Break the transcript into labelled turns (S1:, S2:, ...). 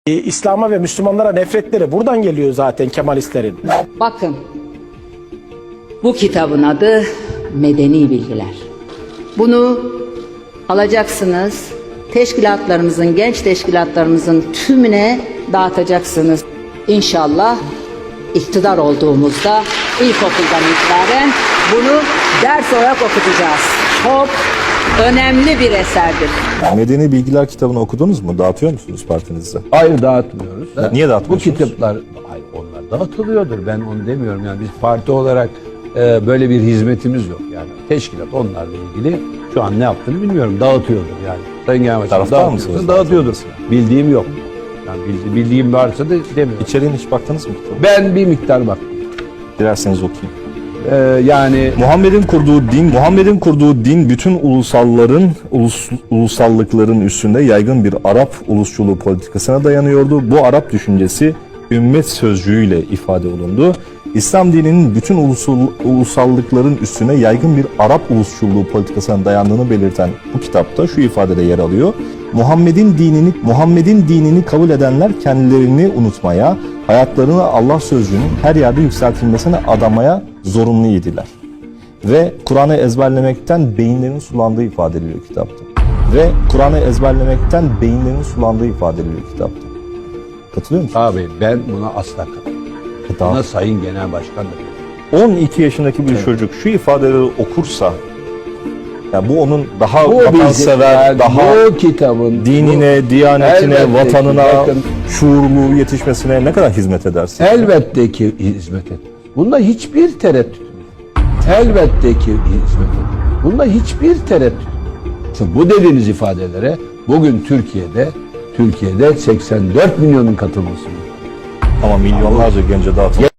S1: İslam'a ve Müslümanlara nefretleri buradan geliyor zaten Kemalistlerin.
S2: Bakın, bu kitabın adı Medeni Bilgiler. Bunu alacaksınız, teşkilatlarımızın, genç teşkilatlarımızın tümüne dağıtacaksınız. İnşallah iktidar olduğumuzda ilkokuldan itibaren bunu ders olarak okutacağız. Çok önemli bir eserdir.
S3: Medeni Bilgiler kitabını okudunuz mu? Dağıtıyor musunuz partinizde?
S4: Hayır, dağıtmıyoruz.
S3: Niye
S4: Bu
S3: dağıtmıyorsunuz?
S4: kitaplar, hayır, onlar dağıtılıyordur. Ben onu demiyorum. Yani biz parti olarak böyle bir hizmetimiz yok. Yani teşkilat onlarla ilgili şu an ne yaptığını bilmiyorum. Dağıtıyordur yani. Sayın Genel Başkanım,
S3: Taraftar mısınız?
S4: dağıtıyordur. Bildiğim yok. Yani bildiğim varsa da demiyorum.
S3: İçeriğine hiç baktınız mı kitabı?
S4: Ben bir miktar baktım.
S3: Dilerseniz okuyayım.
S4: Yani
S3: Muhammed'in kurduğu din bütün ulusallıkların üstünde yaygın bir Arap ulusçuluğu politikasına dayanıyordu. Bu Arap düşüncesi ümmet sözcüğüyle ifade olundu. İslam dininin bütün ulusallıkların üstüne yaygın bir Arap ulusçuluğu politikasına dayandığını belirten bu kitapta şu ifadede yer alıyor. Muhammed'in dinini kabul edenler kendilerini unutmaya, hayatlarını Allah sözcüğünün her yerde yükseltilmesine adamaya zorunlu idiler. Ve Kur'an'ı ezberlemekten beyinlerin sulandığı ifade ediliyor kitapta. Katılıyor musun?
S4: abi ben buna asla katılmıyorum. Buna Sayın Genel Başkan da diyor.
S3: 12 yaşındaki bir çocuk şu ifadeleri okursa, yani bu onun daha
S4: Bu
S3: vatansever,
S4: yani
S3: daha
S4: bu kitabın
S3: dinine, diyanetine,
S4: elbette ki,
S3: vatanına,
S4: bakın,
S3: şuurlu yetişmesine ne kadar hizmet edersin?
S4: elbette ki hizmet etmez. Bunda hiçbir tereddüt yok. Elbette ki hizmet etmez. Bunda hiçbir tereddüt yok. Bu dediğiniz ifadelere bugün Türkiye'de 84 milyonun katılması var.
S3: Ama milyonlarca gence dağıtılıyor.